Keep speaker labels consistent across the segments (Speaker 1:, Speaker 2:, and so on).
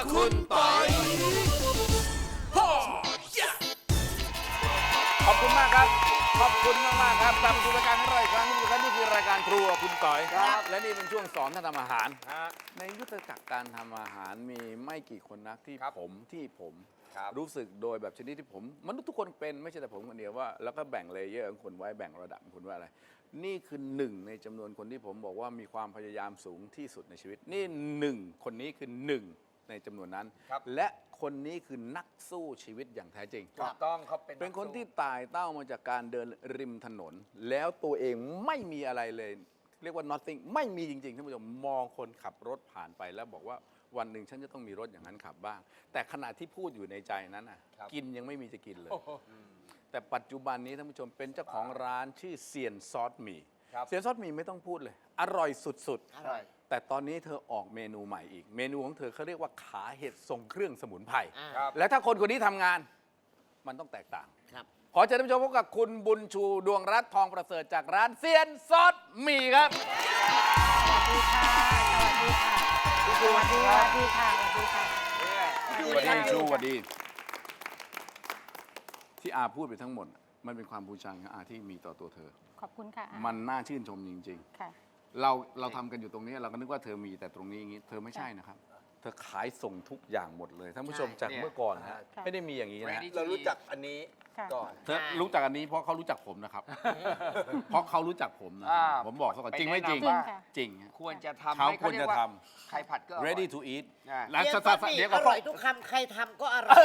Speaker 1: คุณปอยขอบคุณมากครับขอบคุณมากๆครับกลับมาสู่รายการของเราอีกครั้งนึงครับนี่คือรายการครัวคุณต่อยครับและนี่เป็นช่วงสอนท่านทำอาหารในยุทธจักรการทำอาหารมีไม่กี่คนนักที่ผมรู้สึกโดยแบบชนิดที่ผมมนุษย์ทุกคนเป็นไม่ใช่แต่ผมคนเดียวว่าแล้วก็แบ่งเลเยอร์ของคนไว้แบ่งระดับของคนว่าอะไรนี่คือหนึ่งในจำนวนคนที่ผมบอกว่ามีความพยายามสูงที่สุดในชีวิตนี่หนึ่งคนนี้คือหนึ่งในจำนวนนั้นและคนนี้คือนักสู้ชีวิตอย่างแท้จริง
Speaker 2: ถูกต้องเขา
Speaker 1: เป็นคนที่ตายเต้ามาจากการเดินริมถนน แล้วตัวเองไม่มีอะไรเลยเรียกว่า nothing ไม่มีจริงๆท่านผู้ชมมองคนขับรถผ่านไปแล้วบอกว่าวันหนึ่งฉันจะต้องมีรถอย่างนั้นขับบ้างแต่ขณะที่พูดอยู่ในใจนั้นน่ะกินยังไม่มีจะกินเลยแต่ปัจจุบันนี้ท่านผู้ชมเป็นเจ้าของร้านชื่อเซียนซอสหมี่เซียนซอสหมี่ไม่ต้องพูดเลยอร่อยสุดๆแต่ตอนนี้เธอออกเมนูใหม่อีกเมนูของเธอเขาเรียกว่าขาเห็ดทรงเครื่องสมุนไพรและถ้าคนคนนี้ทำงานมันต้องแตกต่างขอเชิญท่านผู้ชมพบกับคุณบุญชูดวงรัตน์ทองประเสริฐจากร้านเซียนซอสหมี่ครับ
Speaker 3: สวัสดีค่ะสวัสดีค่ะสวัสดีค่ะสวัสดีค่ะ
Speaker 1: สวัสดีชูสวัสดีที่อาพูดไปทั้งหมดมันเป็นความภูมิใจของอาที่มีต่อตัวเธอ
Speaker 3: ขอบคุณค่ะ
Speaker 1: มันน่าชื่นชมจริงๆ
Speaker 3: ค่ะ
Speaker 1: เราทำกันอยู่ตรงนี้เราก็นึกว่าเธอมีแต่ตรงนี้อย่างนี้เธอไม่ใช่นะครับเธอขายส่งทุกอย่างหมดเลยท่านผู้ชมจากเมื่อก่อนนะฮะไม่ได้มีอย่างนี้นะ
Speaker 2: เรารู้จักอันนี้ก่อน
Speaker 1: เธอรู้จักอันนี้เพราะเขารู้จักผมนะครับเพราะเขารู้จักผมนะผมบอกเขาก่อนจริงไม่จริงจริง
Speaker 2: ควรจะทำ
Speaker 1: เขาควรจะท
Speaker 2: ำไข่ผัดก็
Speaker 1: ready to eat
Speaker 4: แล้วเดี๋ยวอร่อยทุกคำใครทำก็อร่อย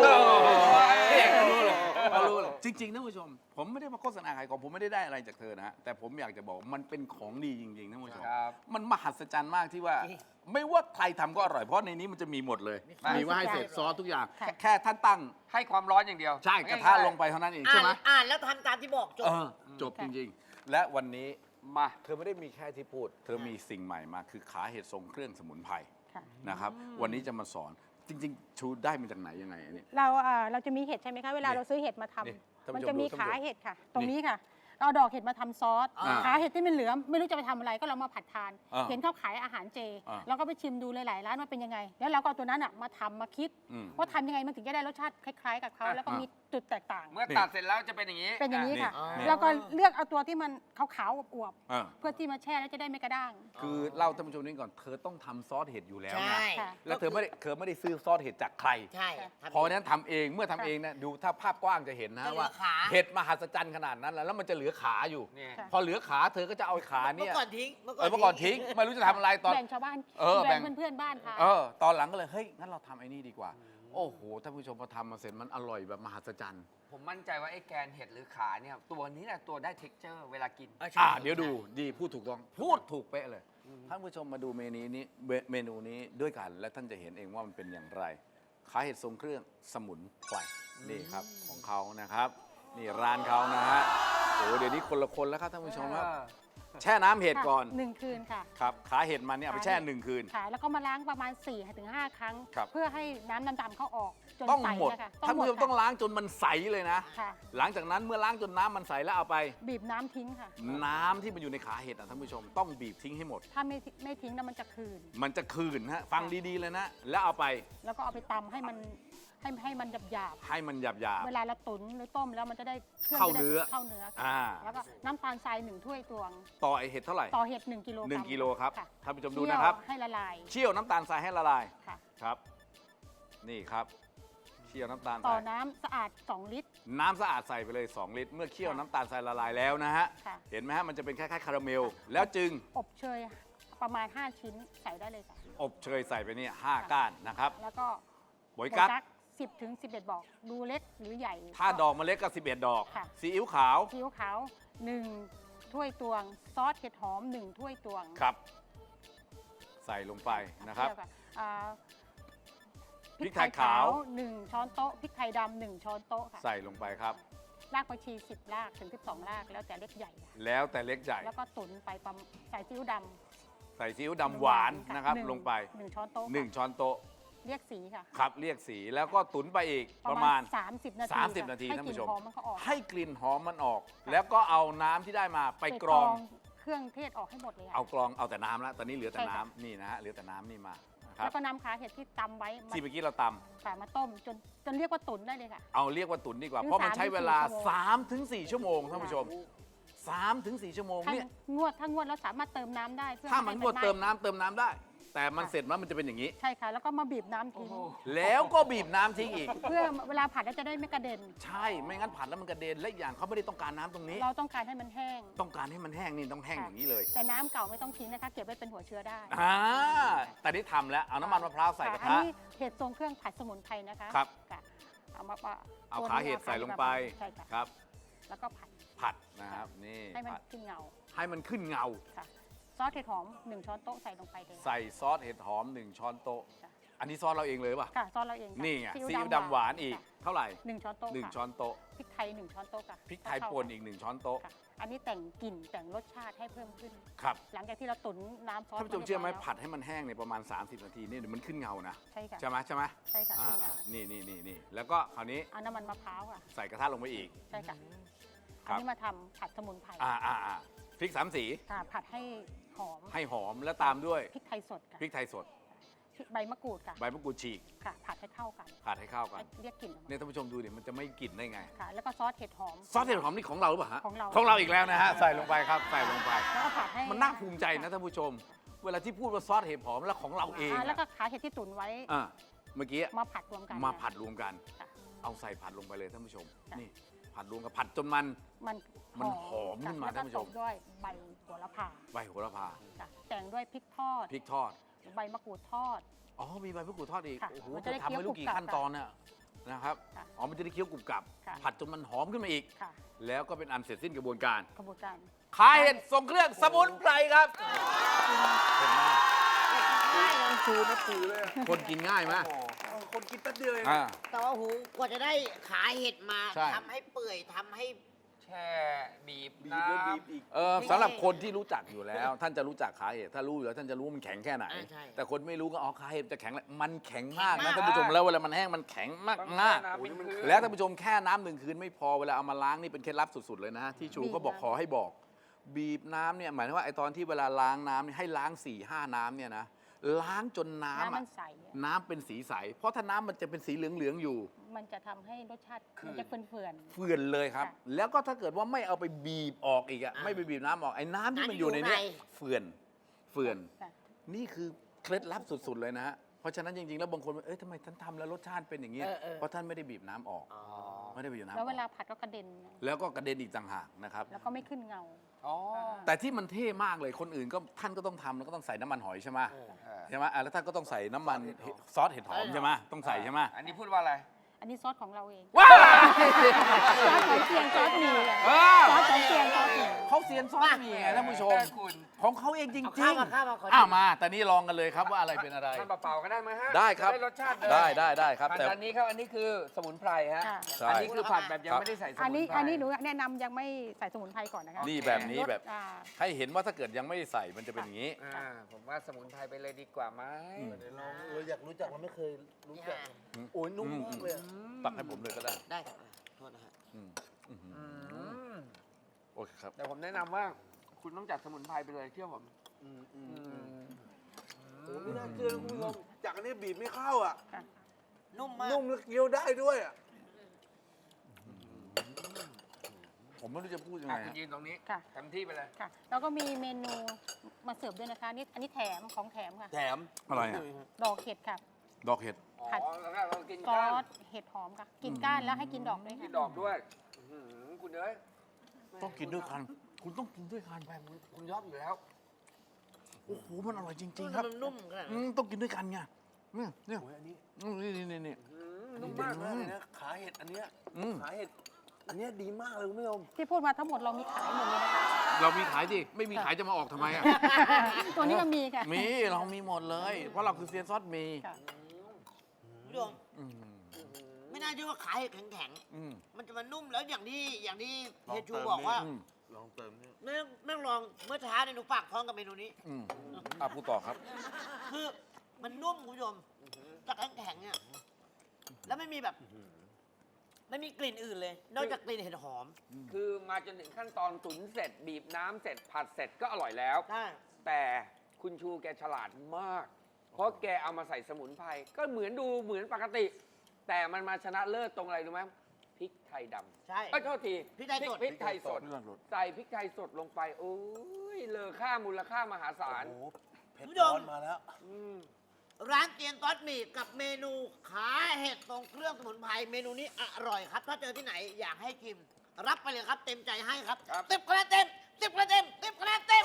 Speaker 1: เขารู้เลยจริงๆท่านผู้ชมผมไม่ได้มาโฆษณาขายของผมไม่ได้อะไรจากเธอนะฮะแต่ผมอยากจะบอกมันเป็นของดีจริงๆท่านผู้ชมมันมหัศจรรย์มากที่ว่าไม่ว่าใครทำก็อร่อยเพราะในนี้มันจะมีหมดเลยมีว่าให้เสร็จซอสทุกอย่างแค่ท่านตั้ง
Speaker 2: ให้ความร้อนอย่างเดียว
Speaker 1: ใช่กระทะลงไปเท่านั้นเองใช่ไหม
Speaker 4: แล้วทำตามที่บอก
Speaker 1: จบจริงๆและวันนี้มาเธอไม่ได้มีแค่ที่พูดเธอมีสิ่งใหม่มาคือขาเห็ดทรงเครื่องสมุนไพรนะครับวันนี้จะมาสอนจริงๆชูได้มาจากไหนยังไงอันนี้
Speaker 3: เราจะมีเห็ดใช่ไหมคะเวลาเราซื้อเห็ดมาทำมันจะมีขาเห็ดค่ะตรงนี้ค่ะเราดอกเห็ดมาทำซอสขาเห็ดที่มันเหลือไม่รู้จะไปทำอะไรก็เรามาผัดทานเห็นเขาขายอาหารเจเราก็ไปชิมดูหลายๆร้านว่าเป็นยังไงแล้วเราก็เอาตัวนั้นมาทำมาคิดว่าทำยังไงมันถึงจะได้รสชาติคล้ายๆกับเขาแล้วก็มีจุดแตกต่าง
Speaker 2: เมื่อตัดเสร็จแล้วจะเป็นอย่างนี้
Speaker 3: เป็นอย่างนี้ค่ะแล้วก็เลือกเอาตัวที่มันขาวๆอวบๆเพื่อที่มาแช่แล้วจะได้ไม่กระด้าง
Speaker 1: คือเล่าท่านผู้ชมนี่ก่อนเธอต้องทำซอสเห็ดอยู่แล้วนะแล้วเธอไม่ได้ซื้อซอสเห็ดจากใคร
Speaker 4: ใช่
Speaker 1: พอนั้นทำเองเมื่อทำเองนะดูถ้าภาพกว้างจะเห็นนะว่าเห็ดมหัศจรรย์ขนาดนั้นแล้วมันจะเหลือขาอยู่พอเหลือขาเธอก็จะเอาขาเนี่ย
Speaker 4: เมื่อก่อนทิ้ง
Speaker 1: ไม่รู้จะทำอะไรตอน
Speaker 3: แบ่งชาวบ้านแบ่งเพื่อนๆบ้านค่ะ
Speaker 1: ตอนหลังก็เลยเฮ้ยงั้นเราทำไอ้นี่ดีกว่าโอ้โหท่านผู้ชมพอทำมาเสร็จมันอร่อยแบบมหัศจรรย์
Speaker 2: ผมมั่นใจว่าไอ้แกนเห็ดหรือขาเนี่ยตัวนี้แหละตัวได้ texture เวลากิน
Speaker 1: เดี๋ยวดูดีพูดถูกต้องพูดถูกเป๊ะเลยท่านผู้ชมมาดูเมนูนี้ด้วยกันและท่านจะเห็นเองว่ามันเป็นอย่างไรขาเห็ดทรงเครื่องสมุนไพรนี่ครับของเขานะครับนี่ร้านเขานะฮะโอ้เดี๋ยวนี้คนละคนแล้วครับท่านผู้ชมครับแช่น้ำเห็ดก่อน
Speaker 3: 1 คืนค่ะ
Speaker 1: ครับขาเห็ดมันเนี่ยเอาไปแช่1 คืน
Speaker 3: ค่ะแล้วก็มาล้างประมาณ 4-5 ครั้งเพื่อให้น้ำดำๆเข้าออกจนใส
Speaker 1: ค่ะท่านผู้ชมต้องล้างจนมันใสเลยนะหลังจากนั้นเมื่อล้างจนน้ำมันใสแล้วเอาไป
Speaker 3: บีบน้ำทิ้งค่ะ
Speaker 1: น้ำที่มันอยู่ในขาเห็ดท่านผู้ชมต้องบีบทิ้งให้หมด
Speaker 3: ถ้าไม่ทิ้งแล้วมันจะคืน
Speaker 1: ฮะฟังดีๆเลยนะแล้วเอาไป
Speaker 3: แล้วก็เอาไปตำให้มันหยาบ
Speaker 1: ให้มันหยาบ
Speaker 3: เวลาเราตุ๋นหรือต้มแล้วมันจะได้
Speaker 1: เข้าเนื้อ
Speaker 3: แล้วก็น้ำตาลทราย1 ถ้วยตวง
Speaker 1: ต่อไอเห็ดเท่าไหร่
Speaker 3: ต่อเห็ด1 กิโลกรัม
Speaker 1: 1 กิโลครับท่านผู้ชมดูนะครับ
Speaker 3: ให้ละลาย
Speaker 1: เคี่ยวน้ำตาลทรายให้ละลายครับนี่ครับเคี่ยวน้ำตาล
Speaker 3: ต่อน้ำสะอาด2 ลิตร
Speaker 1: น้ำสะอาดใส่ไปเลย2 ลิตรเมื่อเคี่ยวน้ำตาลทรายละลายแล้วนะฮะเห็นไหมฮะมันจะเป็นคล้ายๆคาราเมลแล้วจึง
Speaker 3: อบเชยประมาณ5 ชิ้นใส่ได้เลยค่ะ
Speaker 1: อบเชยใส่ไปนี่5 ก้านนะครับ
Speaker 3: แล้วก็
Speaker 1: โบยกั๊ก
Speaker 3: 10-11 ดอกดูเล็กหรือใหญ่
Speaker 1: ถ้าดอกมันเล็กก็11 ดอกซีอิ๊วขาว
Speaker 3: 1 ถ้วยตวงซอสเห็ดหอม1 ถ้วยตวง
Speaker 1: ครับใส่ลงไปนะครับพริกไทยขาว
Speaker 3: 1 ช้อนโต๊ะพริกไทยดำ1 ช้อนโต๊ะค่ะ
Speaker 1: ใส่ลงไปครับ
Speaker 3: รากผักชี10 รากถึง12 รากแล้วแต่เล็กใหญ่
Speaker 1: แล้วแต่เล็กใหญ่
Speaker 3: แล้วก็ตุ๋นไปใส่ซีอิ๊วด
Speaker 1: ำหวานนะครับลงไป
Speaker 3: 1 ช้อนโต๊ะ
Speaker 1: 1 ช้อนโต๊ะ
Speaker 3: เรียกสีค่ะ
Speaker 1: ครับเรียกสีแล้วก็ตุ๋นไปอีกประมาณ
Speaker 3: 30 นาที
Speaker 1: ท่านผู้ชมให้กลิ่นหอมมันออกแล้วก็เอาน้ำที่ได้มาไปกรอง
Speaker 3: เครื่องเทศออกให้หมดเลย
Speaker 1: เอากรองเอาแต่น้ำแล้วตอนนี้เหลือแต่น้ำนี่นะฮะเหลือแต่น้ำนี่มา
Speaker 3: แล้วก็นำขาเห็ดที่ตำไว้มา
Speaker 1: ที่เมื่อกี้เราต
Speaker 3: ค่ะมาต้มจนเรียกว่าตุ๋นได้เลยค่ะ
Speaker 1: ำเอาเรียกว่าตุ๋นดีกว่า
Speaker 3: ถึง
Speaker 1: เพราะมันใช้เวลา
Speaker 3: 3 ถึง
Speaker 1: 3 ถึง 4 ชั่วโมงท่านผู้ชม 3 ถึง 4 ชั่วโมง
Speaker 3: ถ้า
Speaker 1: เนี่ย
Speaker 3: ถ้างวดแล้วสามารถเติมน้ำได้เพื่อ
Speaker 1: ถ้ามัน
Speaker 3: ให้
Speaker 1: งวด
Speaker 3: ไห
Speaker 1: เติมน้ำได้ แต่มันเสร็จแล้วมันจะเป็นอย่างนี้
Speaker 3: ใช่ค่ะ แล้วก็มาบีบน้ำทิ้ง
Speaker 1: แล้วก็บีบน้ำทิ้งอีก
Speaker 3: เพื่อเวลาผัดแล้วจะได้ไม่กระเด็น
Speaker 1: ใช่ไม่งั้นผัดแล้วมันกระเด็นและอีกอย่างเขาไม่ได้ต้องการน้ำตรงนี้
Speaker 3: เราต้องการให้มันแห้ง
Speaker 1: ต้องการให้มันแห้งนี่ต้องแห้งอย่างนี้เลย
Speaker 3: แต่น้ำเก่าไม่ต้องทิ้งนะคะ เก็บไว้เป็นหัวเชื้อได้
Speaker 1: แต่นี่ทำแล้วเอาน้ำมันมะพร้าวใส่กระ
Speaker 3: อัน
Speaker 1: ทะ
Speaker 3: นี้เห็ดทรงเครื่องผัดสมุนไพรนะคะ
Speaker 1: ครับ
Speaker 3: ค่ะเอามา
Speaker 1: เอาขาเห็ดใส่ลงไป
Speaker 3: ใช่ค่ะ
Speaker 1: ครับ
Speaker 3: แล้วก็ผัด
Speaker 1: ผัดนะครับนี่
Speaker 3: ให้มัน
Speaker 1: ผัด
Speaker 3: ขึ้นเงา
Speaker 1: ให้มันขึ้นเงา
Speaker 3: ค่ะซอสเห็ดหอม1 ช้อนโต๊ะใส่ลงไปเลย
Speaker 1: ใส่ซอสเห็ดหอม 1 ช้อนโต๊ะ
Speaker 3: จ้ะ
Speaker 1: อันนี้ซอสเราเองเลยป่ะ
Speaker 3: ค่ะซอสเราเองค่ะ
Speaker 1: นี่ไง
Speaker 3: ซี
Speaker 1: ซี
Speaker 3: อิ๊
Speaker 1: อิ๊
Speaker 3: ว
Speaker 1: วดำหวานอีก
Speaker 3: ค่ะ
Speaker 1: เท่าไหร่
Speaker 3: 1 ช้อนโต๊ะ
Speaker 1: 1
Speaker 3: ค่ะ
Speaker 1: ช้อนโต๊ะ
Speaker 3: พริกไทย1 ช้อนโต๊ะค่ะ
Speaker 1: พริกไทยป่นอีก1 ช้อนโต๊ะ
Speaker 3: ค่ะอันนี้แต่งกลิ่นแต่งรสชาติให้เพิ่มขึ้น
Speaker 1: ครับ
Speaker 3: หลังจากที่เราตุ๋นน้ำซอส
Speaker 1: ท่านผู้ชมเชื่อไหม
Speaker 3: รียบร้ยแล้ว
Speaker 1: ผัดให้มันแห้งในยประมาณ 30 นาทีนี่เดี๋ยวมันขึ้นเงานะ
Speaker 3: ใช่ค่ะ
Speaker 1: ใช่ไหมใช่ไหม
Speaker 3: ใช่ค่ะ
Speaker 1: อ่า
Speaker 3: ขึ้นเงา
Speaker 1: นี่แล้วก็คราวนี้
Speaker 3: เอาน้ำมันมะพร้าวค่ะ
Speaker 1: ใส่กระทะลงไปอีก
Speaker 3: ใช่ค่ะ
Speaker 1: ครั
Speaker 3: อัน
Speaker 1: บ
Speaker 3: นี้มาทำผัดสมุนไพร
Speaker 1: พริก 3 สี
Speaker 3: ค่ะผัดให้หอม
Speaker 1: ให้หอมแล้วตามด้วย
Speaker 3: พริกไทยสดค่ะ
Speaker 1: พริกไทยสด
Speaker 3: ใบมะกรูดค่ะ
Speaker 1: ใบมะกรูดฉีก
Speaker 3: ค่ะ ผัดให้เข้ากัน
Speaker 1: ผัดให้เข้ากัน
Speaker 3: เรียกกลิ่นออกมา
Speaker 1: เนี่ยท่านผู้ชมดูดิมันจะไม่กลิ่นได้ไง
Speaker 3: ค่ะ แล้วก็ซอสเห็ดหอม
Speaker 1: ซอสเห็ดหอมนี่ของเราหรือเปล่าฮะ
Speaker 3: ของเรา
Speaker 1: อีกแล้วนะฮะใส่ลงไปครับใส่ลงไป
Speaker 3: แล้วก็ผัดให้
Speaker 1: มันน่าภูมิใจนะท่านผู้ชม เวลาที่พูดว่าซอสเห็ดหอมแล้วของเราเอง
Speaker 3: แล้วก็ขาเห็ดที่ตุ๋นไว้
Speaker 1: เมื่อกี้
Speaker 3: มาผัดรวมกัน
Speaker 1: มาผัดรวมกัน
Speaker 3: ค่ะ
Speaker 1: เอาใส่ผัดลงไปเลยท่านผู้ชม
Speaker 3: ค่ะ
Speaker 1: นี่ผัดรวมกับผัดจนมัน
Speaker 3: มัน
Speaker 1: มันหอมขึ้นมา
Speaker 3: ค่ะ
Speaker 1: ท่านผู้ชม
Speaker 3: แล้วก็ตบด้วยใบโหระพา
Speaker 1: ใบโหระพา
Speaker 3: ค่ะแต่งด้วยพริกทอด
Speaker 1: พริกทอด
Speaker 3: ใบมะกรูดทอด
Speaker 1: อ๋อมีใบมะกรูดทอดอีก
Speaker 3: ค่ะ
Speaker 1: โอ้โห
Speaker 3: มัน
Speaker 1: เธ
Speaker 3: จะ
Speaker 1: อ
Speaker 3: ได้
Speaker 1: ทำไม่รู้กี่
Speaker 3: เคี้ยวกรุบกรับ
Speaker 1: ขั้นตอนน่ะนะครับ
Speaker 3: ค่ะ
Speaker 1: อ๋อมันจะได้เคี้ยวกรุบกรับ
Speaker 3: ค่ะ
Speaker 1: ผัดจนมันหอมขึ้นมาอีก
Speaker 3: ค่ะ
Speaker 1: แล้วก็เป็นอันเสร็จสิ้นกระบวนการ
Speaker 3: กระบวนการ
Speaker 1: ขายเห็ดทรงเครื่องสมุนไพรครับเห็นไหม
Speaker 5: ชูนับถือเลยอะ
Speaker 1: คนกินง่ายไหม
Speaker 5: คนกินแป๊บเดียวเอง
Speaker 1: อ่า
Speaker 4: แต่ว่าหูกว่าจะได้ขาเห็ดมา
Speaker 1: ใช่
Speaker 4: ทำให้เปื่อยทำให้
Speaker 2: แช่บีบ
Speaker 5: บีบ
Speaker 2: น้
Speaker 5: แล้วบีบอีก
Speaker 1: สำหรับคนที่รู้จักอยู่แล้ว ท่านจะรู้จักขาเห็ดถ้ารู้อยู่แล้วท่านจะรู้ว่ามันแข็งแค่ไหน
Speaker 4: ใช่
Speaker 1: แต่คนไม่รู้ก็อ๋อขาเห็ดจะแข็งแหละมันแข็งมาก
Speaker 4: แข็
Speaker 1: นะ
Speaker 4: งมาก
Speaker 1: ท่านผู้ชมแล้วเวลามันแห้งมันแข็งมาก
Speaker 2: ำ
Speaker 1: มาก
Speaker 2: น้ำเป็นคืน
Speaker 1: แล้วท่านผู้ชมแค่น้ำ1 คืนไม่พอเวลาเอามาล้างนี่เป็นเคล็ดลับสุดๆเลยนะที่ชูก็บอกขอให้บอก บีบน้ำเนี่ยหมายถึงว่าไอตอนที่เวลาล้างน้ำเนี่ยให้ล้าง4-5 น้ำเนี่ยนะล้างจนน้ำ
Speaker 3: น้ำมั
Speaker 1: อะ
Speaker 3: นใสอะ
Speaker 1: น้ำเป็นสีใสเพราะถ้าน้ำมันจะเป็นสีเหลืองๆอยู่
Speaker 3: มันจะทำให้รสชาติมันจะเฟื่อน
Speaker 1: เฟื่อนเลยครับ
Speaker 3: ค่ะ
Speaker 1: แล้วก็ถ้าเกิดว่าไม่เอาไปบีบออกอีกอะไม่ไปบีบน้ำออกไอ้น้ำที่มันอยู่ในเนี้ยเฟื่อน
Speaker 3: ๆค่ะ
Speaker 1: นี่คือเคล็ดลับสุดๆเลยนะฮะเพราะฉะนั้นจริงๆแล้วบางคนว่าเอ้ยทำไมท่านทำแล้วรสชาติเป็นอย่างนี้ยเพราะท่านไม่ได้บีบน้ำออก
Speaker 4: อ๋อ
Speaker 1: ไม่ได้บีบน้ำอ
Speaker 3: แล้ว
Speaker 1: อ
Speaker 3: เวลาก ผัดก็กระเด็น
Speaker 1: แล้วก็กระเด็นอีกต่างหากนะครับ
Speaker 3: แล้วก็ไม่ขึ้นเงา
Speaker 2: อ๋อ
Speaker 1: แต่ที่มันเท่มากเลยคนอื่นก็ท่านก็ต้องทำแล้วก็ต้องใส่น้ำมันหอยใช่ไหมใช่ไหมแล้วท่านก็ต้องใส่น้ำมันซอสเห็ดหอมใช่ไหมต้องใส่ใช่ไหม
Speaker 2: อันนี้พูดว่าอะไร
Speaker 3: อันนี้ซอสของเราเอง
Speaker 1: ว้า
Speaker 3: ซอสของเชียงซอสหมี่อะ
Speaker 1: เออ
Speaker 3: ซอสของเชียงซอสหมี่
Speaker 1: เขาเซียนซอสมีไงท่านผู้ชม
Speaker 2: แต่คุณ
Speaker 1: ของเขาเองจริง
Speaker 4: เอา
Speaker 1: ๆ
Speaker 4: ข้าวมาขอ
Speaker 1: อ้าวมาแต่นี่ลองกันเลยครับว่าอะไรเป็นอะไร
Speaker 2: ทานเปล่าๆก็ได้ไหมฮะ
Speaker 1: ได้ครับ
Speaker 2: จะได้รสชาติเลย
Speaker 1: ได้ครับ
Speaker 2: ผัด
Speaker 1: แต่
Speaker 2: อันนี้ครับ อันนี้คือสมุนไพรฮะ
Speaker 3: ค่ะ
Speaker 1: ใช่
Speaker 2: อันนี้คือผัดแบบยังไม่ได้ใส่สมุนไพร
Speaker 3: อันนี้หนูแนะนำยังไม่ใส่สมุนไพรก่อนนะคะ
Speaker 1: นี่แบบนี้แบบ
Speaker 3: อ่า
Speaker 1: ให้เห็นว่าถ้าเกิดยังไม่ได้ใส่มันจะเป็นอย่างนี้
Speaker 2: ผมว่าสมุนไพรไปเลยดีกว่าไหม
Speaker 5: เดี๋ยวลองอยากรู้จักเราไม่เคยรู้จัก โอ้ยนุ่มมากเลยอะ
Speaker 1: ตักให้ผมเลยก็ได้
Speaker 4: ได้ครับโทษนะฮะ
Speaker 1: อืมอืม
Speaker 2: อืม
Speaker 1: โอเคครับ
Speaker 2: แต่ผมแนะนำว่า คุณต้องจัดสมุนไพรไปเลยเชื่อผม
Speaker 5: โอ้ไม่น่าเชื่อนะคุณผู้ชมจากอันนี้บีบไม่เข้าอ่ะ
Speaker 4: นุ่มมาก
Speaker 5: นุ่มแล้วเคี้ยวได้ด้วยอ่ะ
Speaker 1: ผมไม่รู้จะพูดยังไง
Speaker 2: คุณ
Speaker 1: ฮะ
Speaker 2: ยืนตรงนี้
Speaker 3: ค่ะ
Speaker 2: เต็มที่ไปเลย
Speaker 3: ค่ะ แล้วก็มีเมนูมาเสิร์ฟด้วยนะคะนี่อันนี้แถมของแถมค่ะ
Speaker 5: แถม
Speaker 1: อะไรอ่ะ
Speaker 3: ดอกเห็ดค่ะ
Speaker 1: ดอกเห็ด
Speaker 2: อ๋อ
Speaker 3: ผัด
Speaker 2: แล้วก็เรากิน
Speaker 3: ซอ
Speaker 2: ก้าน
Speaker 3: สเห็ดหอมค่ะ กินก้านแล้วให้กินดอกด้วย
Speaker 2: กิน
Speaker 3: ค่ะ
Speaker 2: ดอกด้วยอื้อหือคุณเอ้ย
Speaker 1: ต้องกินด้วยกันคุณต้องกินด้วยกัน
Speaker 2: คุณยอดอยู่แล้ว
Speaker 1: โอ้โหมันอร่อยจริง ๆ ครับ
Speaker 4: มันนุ่มขนาด
Speaker 1: อื
Speaker 4: นั้น
Speaker 1: มต้องกินด้วยกันไงเนี่ย
Speaker 5: โอ้ยอันนี้
Speaker 1: นี่
Speaker 5: นุ่มมากเลยนะขาเห็ดอันเนี้ย
Speaker 1: อืม
Speaker 5: ขาเห็ดอันเนี้ยดีมากเลยคุณผู้ชม
Speaker 3: ที่พูดมาทั้งหมดเรามีขายหมดเลยนะคะ
Speaker 1: เรามีขายดิไม่มีขายจะมาออกทำไมอ่ะ
Speaker 3: ตัวนี้มันมีค่ะ
Speaker 1: มีเรามีหมดเลย เพราะเราคือเซียนซอสมี
Speaker 3: ค่ะ
Speaker 4: คุณผู้ชม
Speaker 1: อืม
Speaker 4: ไม่น่าเชื่อว่าขาเห็ดแข็ง
Speaker 1: อืม
Speaker 4: ๆมันจะมานุ่มแล้วอย่างที่เฮยชู
Speaker 5: ลองเติม
Speaker 4: บอกว่า
Speaker 1: อืม
Speaker 5: ลองเติมเนี่ย
Speaker 4: แม่งลองเมื่อเช้าเนี่ยหนูฝากท้องกับเมนูนี้
Speaker 1: อืมพูดต่อครับ
Speaker 4: คือมันนุ่มคุณผู้ชมจากแข็งๆเนี่ยแล้วไม่มีแบบ ไม่มีกลิ่นอื่นเลย นอกจากกลิ่นเห็ดหอม
Speaker 2: คือมาจนถึงขั้นตอนตุ๋นเสร็จ บีบน้ำเสร็จผัดเสร็จก็อร่อยแล้ว
Speaker 4: ใช่
Speaker 2: แต่คุณชูแกฉลาดมากเพราะแกเอามาใส่สมุนไพรก็เหมือนดูเหมือนปกติ แต่มันมาชนะเลิศตรงอะไรรู้ไหมพริกไทยดำ
Speaker 4: ใช่
Speaker 2: โทษที
Speaker 4: พริกไทยสด
Speaker 2: พริกไทยสด ใส่พริกไทยสดลงไปโอ้ยเลอค่ามูลค่ามหาศาล
Speaker 5: โอ้โหเผ็ดร้อนมาแล้ว
Speaker 4: ร้านเตียนต๊อดหมี่กับเมนูขาเห็ดตรงเครื่องสมุนไพรเมนูนี้อร่อยครับ ถ้าเจอที่ไหนอยากให้ชิม รับไปเลยครับเต็มใจให้ครับ
Speaker 2: ครับ
Speaker 4: 10 คะแนนเต็ม10 คะแนนเต็ม10 คะแนนเต็ม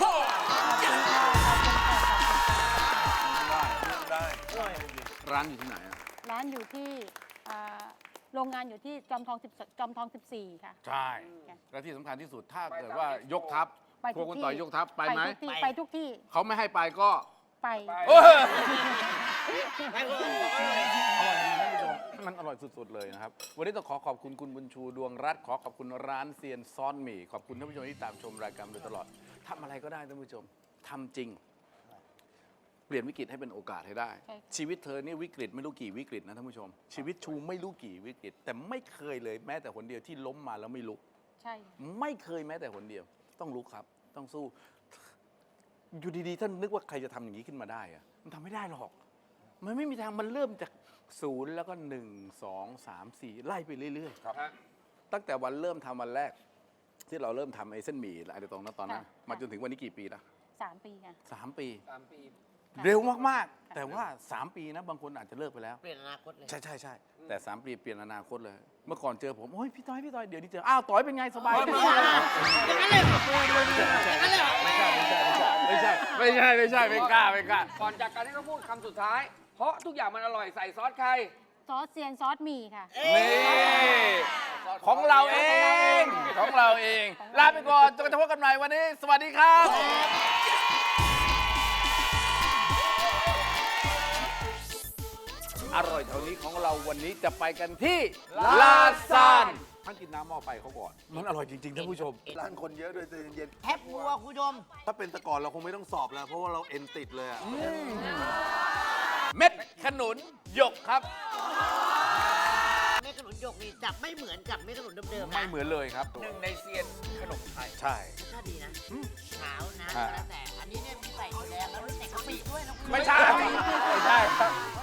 Speaker 5: ได้
Speaker 1: ร้านอยู่ที่ไหนอะ
Speaker 3: ร้านอยู่ที่โรงงานอยู่ที่จอมทอง14 ค่ะ
Speaker 1: ใช่ และที่สำคัญที่สุดถ้าเกิดว่ายกทัพ
Speaker 3: ไป
Speaker 1: พว
Speaker 3: ทุ
Speaker 1: ก
Speaker 3: ก
Speaker 1: คุณ
Speaker 3: ที่
Speaker 1: ต่อยยกทัพไปไหม
Speaker 3: ทุกที่ไปทุกที่
Speaker 1: เขาไม่ให้ไปก็
Speaker 3: ไป
Speaker 1: เออ
Speaker 4: ไปเลย
Speaker 1: อร่อยจริงๆท่านผู้ชมมันอร่อยสุดๆเลยนะครับ วันนี้ต้องขอบคุณคุณบุญชูดวงรัตน์ขอบคุณร้านเซียนซ้อนหมี่ขอบคุณท่านผู้ชมที่ตามชมรายการมาโดยตลอดทำอะไรก็ได้ท่านผู้ชมทำจริง เปลี่ยนวิกฤตให้เป็นโอกาสให้ได้
Speaker 3: ใช่ค่ะ
Speaker 1: ชีวิตเธอนี่วิกฤตไม่รู้กี่วิกฤตนะท่านผู้ชม ชีวิตชูไม่รู้กี่วิกฤต แต่ไม่เคยเลยแม้แต่คนเดียวที่ล้มมาแล้วไม่ลุก
Speaker 3: ใช่
Speaker 1: ไม่เคยแม้แต่คนเดียว ต้องลุกครับ ต้องสู้ อยู่ดีๆท่านนึกว่าใครจะทำอย่างนี้ขึ้นมาได้อะมันทำไม่ได้หรอก มันไม่มีทางมันเริ่มจากศูนย์แล้วก็1 2 3 4 ไล่ไปเรื่อยๆตั้งแต่วันเริ่มทำวันแรก ที่เราเริ่มทำไอ้เส้นหมี่อะไรตรงนั้นตอนนั้นมาจนถึงวันนี้กี่ปีละ
Speaker 3: 3 ปีค่ะ
Speaker 1: 3 ปี
Speaker 2: 3 ปี
Speaker 1: เร็วมากๆ แต่ว่า 3 ปีนะบางคนอาจจะเลิกไปแล้ว
Speaker 4: เปลี่ยนอนาคตเลย
Speaker 1: ใช่แต่ 3 ปีเปลี่ยนอนาคตเลย เมื่อก่อนเจอผมโอ้ยพี่ต้อยเดี๋ยวนี้เจออ้าวต้อยเป็นไงสบายดี
Speaker 4: อย่างนั้นเลยเหรออย่างนั้นเลยเหรอ
Speaker 1: ไม่ใช่ไม่กล้า
Speaker 2: ก่อนจากกันให้เขาพูดคำสุดท้าย เพราะทุกอย่างมันอร่อยใส่ซอสใคร
Speaker 3: ซอสเซียนซอสหมี่ค่ะ
Speaker 1: นี่ของเราเองลาไปก่อนจนกระทั่งพบกันใหม่วันนี้ สวัสดีครับ อร่อยแถวนี้ของเราวันนี้จะไปกันที่ลาซานท่านกินน้ำหม้อไฟเขาก่อน มันอร่อยจริงๆท่านผู้ชม
Speaker 5: ร้านคนเยอะด้วยใจเย็น
Speaker 4: แทบวัวคุณผู้ชม
Speaker 5: ๆถ้าเป็นแต่ก่อนเราคงไม่ต้องสอบแล้ว เพราะว่าเราเอ็นติดเลยอะ
Speaker 1: เม็ดขนุนหยกครับ
Speaker 4: เมฆขนุนหยกนี่จะไม่เหมือนกับเมฆขนุนเดิมๆ
Speaker 1: ไม่
Speaker 4: นะ
Speaker 1: เหมือนเลยครับ
Speaker 2: หนึ่งในเซียนขนมไทย
Speaker 1: ใช่
Speaker 4: รสชาติดีนะขาวนะ
Speaker 1: อ่า
Speaker 4: แล้วแต่อันนี้เนี่ยมีใส่ถั่วแดงแล้วมีใส่กะปิด้วยนะคุณ
Speaker 1: ไม่ใช่ครับ